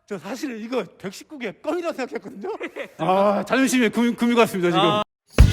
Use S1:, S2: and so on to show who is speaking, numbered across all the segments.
S1: 저 사실 이거 119개 껌이라고 생각했거든요. 아, 자존심에 금이 갔습니다 지금.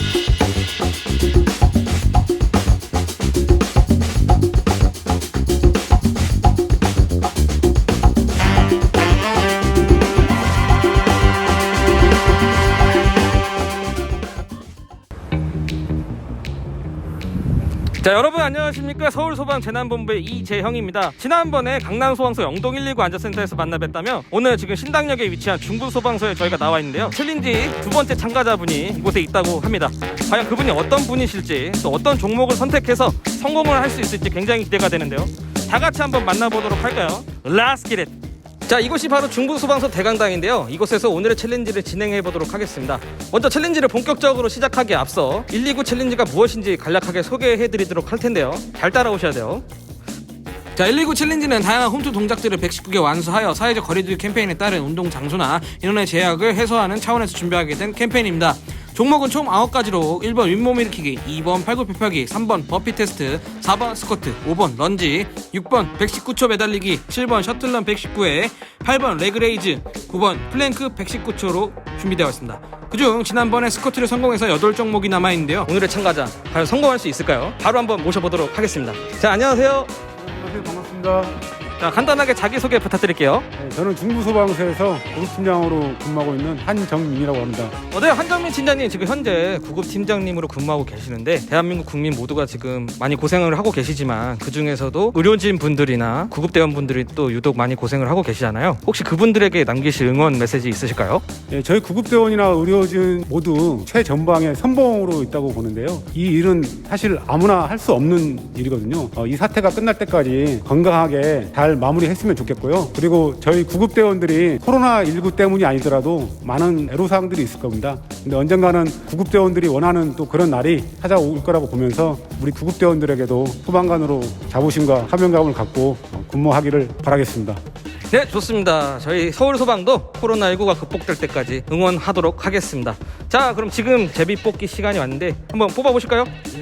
S2: 자, 여러분 안녕하십니까. 서울소방재난본부의 이재형입니다. 지난번에 강남소방서 영동 119 안전센터에서 만나 뵀다며 오늘 지금 신당역에 위치한 중부소방서에 저희가 나와 있는데요. 챌린지 두 번째 참가자분이 이곳에 있다고 합니다. 과연 그분이 어떤 분이실지, 또 어떤 종목을 선택해서 성공을 할 수 있을지 굉장히 기대가 되는데요. 다 같이 한번 만나보도록 할까요? Let's get it! 자, 이곳이 바로 중부소방서 대강당인데요. 이곳에서 오늘의 챌린지를 진행해 보도록 하겠습니다. 먼저 챌린지를 본격적으로 시작하기에 앞서 119 챌린지가 무엇인지 간략하게 소개해 드리도록 할 텐데요. 잘 따라오셔야 돼요. 자, 119 챌린지는 다양한 홈트 동작들을 119개 완수하여 사회적 거리두기 캠페인에 따른 운동 장소나 인원의 제약을 해소하는 차원에서 준비하게 된 캠페인입니다. 종목은 총 9가지로 1번 윗몸 일으키기, 2번 팔굽혀펴기, 3번 버피 테스트, 4번 스쿼트, 5번 런지, 6번 119초 매달리기, 7번 셔틀런 119회, 8번 레그레이즈, 9번 플랭크 119초로 준비되어 있습니다. 그중 지난번에 스쿼트를 성공해서 8종목이 남아있는데요. 오늘의 참가자 과연 성공할 수 있을까요? 바로 한번 모셔보도록 하겠습니다. 자, 안녕하세요.
S1: 안녕하세요, 반갑습니다.
S2: 자, 간단하게 자기소개 부탁드릴게요.
S1: 네, 저는 중부소방서에서 구급팀장으로 근무하고 있는 한정민이라고 합니다.
S2: 네, 한정민 팀장님 지금 현재 구급팀장님으로 근무하고 계시는데 대한민국 국민 모두가 지금 많이 고생을 하고 계시지만 그 중에서도 의료진 분들이나 구급대원분들이 또 유독 많이 고생을 하고 계시잖아요. 혹시 그분들에게 남기실 응원 메시지 있으실까요?
S1: 네, 저희 구급대원이나 의료진 모두 최전방의 선봉으로 있다고 보는데요. 이 일은 사실 아무나 할 수 없는 일이거든요. 이 사태가 끝날 때까지 건강하게 잘 마무리했으면 좋겠고요. 그리고 저희 구급대원들이 코로나19 때문이 아니더라도 많은 애로사항들이 있을 겁니다. 근데 언젠가는 구급대원들이 원하는 또 그런 날이 찾아올 거라고 보면서 우리 구급대원들에게도 소방관으로 자부심과 사명감을 갖고 근무하기를 바라겠습니다.
S2: 네, 좋습니다. 저희 서울소방도 코로나19가 극복될 때까지 응원하도록 하겠습니다. 자, 그럼 지금 제비 뽑기 시간이 왔는데 한번 뽑아보실까요?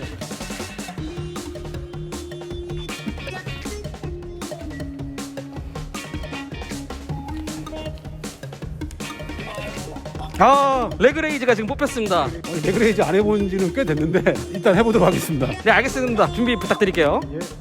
S2: 아, 레그레이즈가 지금 뽑혔습니다.
S1: 레그레이즈 안 해본 지는 꽤 됐는데 일단 해보도록 하겠습니다.
S2: 네, 알겠습니다. 준비 부탁드릴게요.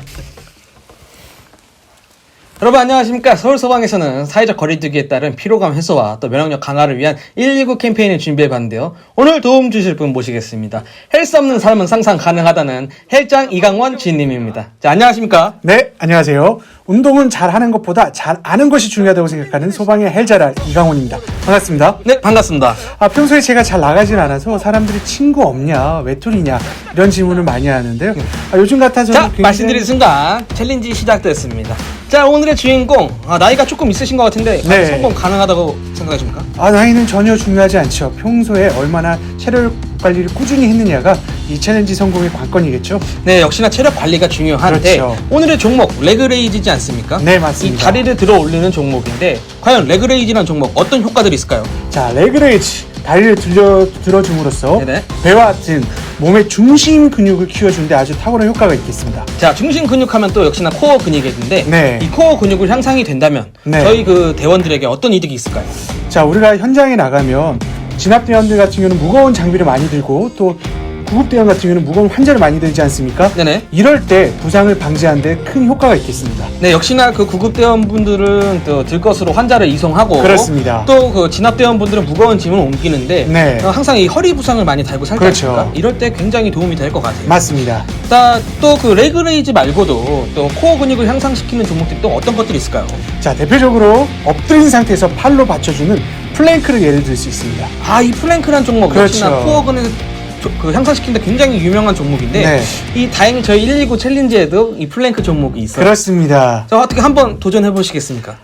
S2: 여러분 안녕하십니까. 서울소방에서는 사회적 거리두기에 따른 피로감 해소와 또 면역력 강화를 위한 119 캠페인을 준비해봤는데요. 오늘 도움 주실 분 모시겠습니다. 헬스 없는 삶은 상상 가능하다는 헬장 이강원 지인님입니다. 자, 안녕하십니까.
S3: 네, 안녕하세요. 운동은 잘하는 것보다 잘 아는 것이 중요하다고 생각하는 소방의 헬자랄 이강원입니다. 반갑습니다.
S2: 네, 반갑습니다.
S3: 평소에 제가 잘 나가진 않아서 사람들이 친구 없냐, 외톨이냐 이런 질문을 많이 하는데요. 요즘 같아서는
S2: 자, 말씀드린 순간 챌린지 시작됐습니다. 자, 오늘의 주인공 나이가 조금 있으신 것 같은데
S3: 네.
S2: 성공 가능하다고 생각하십니까?
S3: 나이는 전혀 중요하지 않죠. 평소에 얼마나 체력 관리를 꾸준히 했느냐가 이 챌린지 성공의 관건이겠죠.
S2: 네, 역시나 체력 관리가 중요한데
S3: 그렇죠.
S2: 오늘의 종목 레그레이즈지 않습니까?
S3: 네, 맞습니다.
S2: 이 다리를 들어 올리는 종목인데 과연 레그레이즈라는 종목 어떤 효과들이 있을까요?
S3: 자, 레그레이즈 다리를 들어줌으로써
S2: 네네.
S3: 배와 같은 몸의 중심 근육을 키워주는데 아주 탁월한 효과가 있겠습니다.
S2: 자, 중심 근육하면 또 역시나 코어 근육인데
S3: 네.
S2: 이 코어 근육을 향상이 된다면
S3: 네.
S2: 저희 그 대원들에게 어떤 이득이 있을까요?
S3: 자, 우리가 현장에 나가면 진압대원들 같은 경우는 무거운 장비를 많이 들고 또 구급대원 같은 경우는 무거운 환자를 많이 들지 않습니까?
S2: 네네.
S3: 이럴 때 부상을 방지하는 데 큰 효과가 있겠습니다.
S2: 네, 역시나 그 구급대원분들은 또 들것으로 환자를 이송하고
S3: 그렇습니다.
S2: 또 그 진압대원분들은 무거운 짐을 옮기는데
S3: 네.
S2: 항상 이 허리 부상을 많이 달고 살지
S3: 그렇죠.
S2: 않습니까? 이럴 때 굉장히 도움이 될 것 같아요.
S3: 맞습니다.
S2: 또 그 레그레이즈 말고도 또 코어 근육을 향상시키는 종목들이 또 어떤 것들이 있을까요?
S3: 자, 대표적으로 엎드린 상태에서 팔로 받쳐주는 플랭크를 예를 들 수 있습니다.
S2: 이 플랭크란 종목 역시나
S3: 그렇죠.
S2: 코어 근육 향상시키는데 굉장히 유명한 종목인데
S3: 네.
S2: 이 다행히 저희 119 챌린지에도 이 플랭크 종목이 있어요.
S3: 그렇습니다.
S2: 자, 어떻게 한번 도전해 보시겠습니까?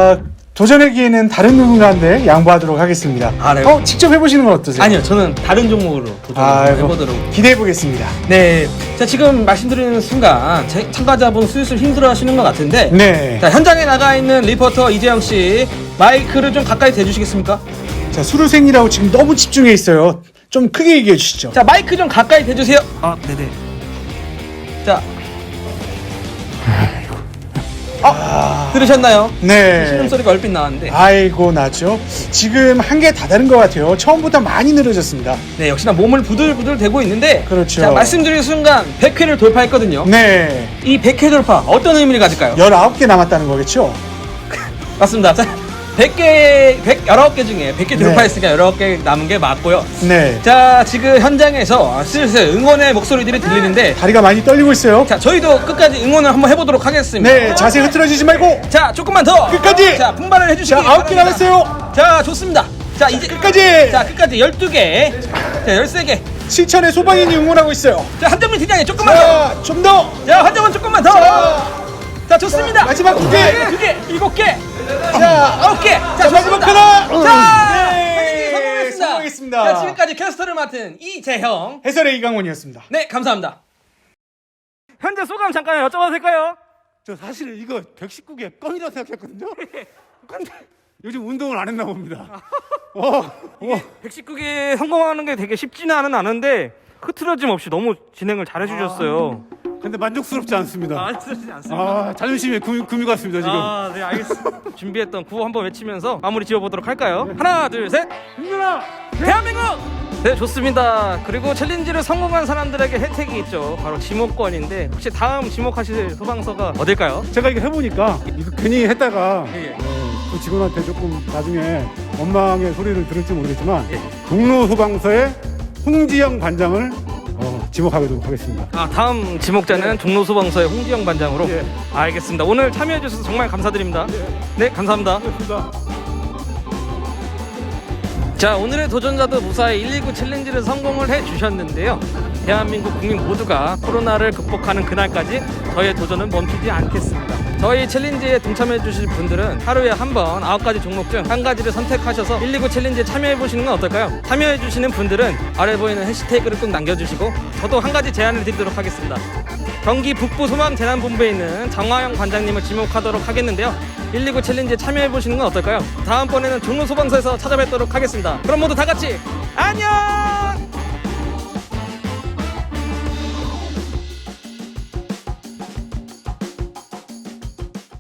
S3: 도전하기에는 다른 누군가한테 양보하도록 하겠습니다.
S2: 네.
S3: 직접 해보시는 건 어떠세요?
S2: 아니요, 저는 다른 종목으로 도전해보도록.
S3: 기대해보겠습니다.
S2: 네, 자, 지금 말씀드리는 순간 참가자분 슬슬 힘들어하시는 것 같은데
S3: 네.
S2: 자, 현장에 나가 있는 리포터 이재영 씨 마이크를 좀 가까이 대주시겠습니까?
S3: 자, 수료생이라고 지금 너무 집중해 있어요. 좀 크게 얘기해 주시죠.
S2: 자, 마이크 좀 가까이 대주세요. 네네. 자, 들으셨나요?
S3: 네.
S2: 신음소리가 얼핏 나왔는데
S3: 아이고 나죠. 지금 한계 다 다른 것 같아요. 처음보다 많이 늘어졌습니다.
S2: 네, 역시나 몸을 부들부들 대고 있는데
S3: 그렇죠.
S2: 자, 말씀드린 순간 100회를 돌파했거든요.
S3: 네.
S2: 이 100회 돌파 어떤 의미를 가질까요?
S3: 19개 남았다는 거겠죠?
S2: 맞습니다. 자, 19개 중에 100개
S3: 네.
S2: 돌파했으니까 19개 남은 게 맞고요.
S3: 네.
S2: 자, 지금 현장에서 슬슬 응원의 목소리들이 들리는데
S3: 다리가 많이 떨리고 있어요.
S2: 자, 저희도 끝까지 응원을 한번 해보도록 하겠습니다.
S3: 네. 자세 흐트러지지 말고
S2: 자, 조금만 더
S3: 끝까지!
S2: 자, 분발을 해주시기
S3: 자, 9개
S2: 바랍니다.
S3: 남았어요.
S2: 자, 좋습니다. 자, 이제
S3: 끝까지!
S2: 자, 끝까지 12개. 자, 13개.
S3: 실천의 소방인이 응원하고 있어요.
S2: 자, 한정민 팀장님 조금만 더.
S3: 자, 좀 더.
S2: 자, 한정민 조금만 더. 자, 좋습니다.
S3: 마지막 2개.
S2: 2개, 7개.
S3: 자,
S2: 9개.
S3: 자, 마지막
S2: 좋습니다.
S3: 하나.
S2: 자,
S3: 네.
S2: 성공했습니다.
S3: 성공했습니다.
S2: 자, 지금까지 캐스터를 맡은 이재형.
S3: 해설의 이강원이었습니다.
S2: 네, 감사합니다. 현재 소감 잠깐 여쭤봐도 될까요?
S1: 저 사실 이거 119개 껌이라고 생각했거든요. 근데 요즘 운동을 안 했나 봅니다.
S2: 119개 성공하는 게 되게 쉽지는 않은데 흐트러짐 없이 너무 진행을 잘 해주셨어요.
S1: 근데 만족스럽지 않습니다.
S2: 흐트러지지 않습니다.
S1: 자존심에 금이 갔습니다 지금.
S2: 네, 알겠습니다. 준비했던 구호 한번 외치면서 마무리 지어보도록 할까요? 하나, 둘, 셋.
S1: 힘내라.
S2: 대한민국! 네, 좋습니다. 그리고 챌린지를 성공한 사람들에게 혜택이 있죠. 바로 지목권인데 혹시 다음 지목하실 소방서가 어딜까요?
S1: 제가 이거 해보니까 이거 괜히 했다가
S2: 예.
S1: 그 직원한테 조금 나중에 원망의 소리를 들을지 모르겠지만
S2: 예.
S1: 종로 소방서의 홍지영 반장을 지목하도록 하겠습니다.
S2: 다음 지목자는 종로소방서의 홍지영 반장으로.
S1: 예.
S2: 알겠습니다. 오늘 참여해 주셔서 정말 감사드립니다. 네, 감사합니다.
S1: 고맙습니다.
S2: 자, 오늘의 도전자도 무사히 119 챌린지를 성공을 해 주셨는데요. 대한민국 국민 모두가 코로나를 극복하는 그날까지 저희의 도전은 멈추지 않겠습니다. 저희 챌린지에 동참해 주실 분들은 하루에 한 번 9가지 종목 중 한 가지를 선택하셔서 119 챌린지에 참여해 보시는 건 어떨까요? 참여해 주시는 분들은 아래 보이는 해시태그를 꼭 남겨주시고 저도 한 가지 제안을 드리도록 하겠습니다. 경기 북부 소방재난본부에 있는 정화영 관장님을 지목하도록 하겠는데요. 119 챌린지에 참여해 보시는 건 어떨까요? 다음번에는 종로소방서에서 찾아뵙도록 하겠습니다. 그럼 모두 다 같이 안녕!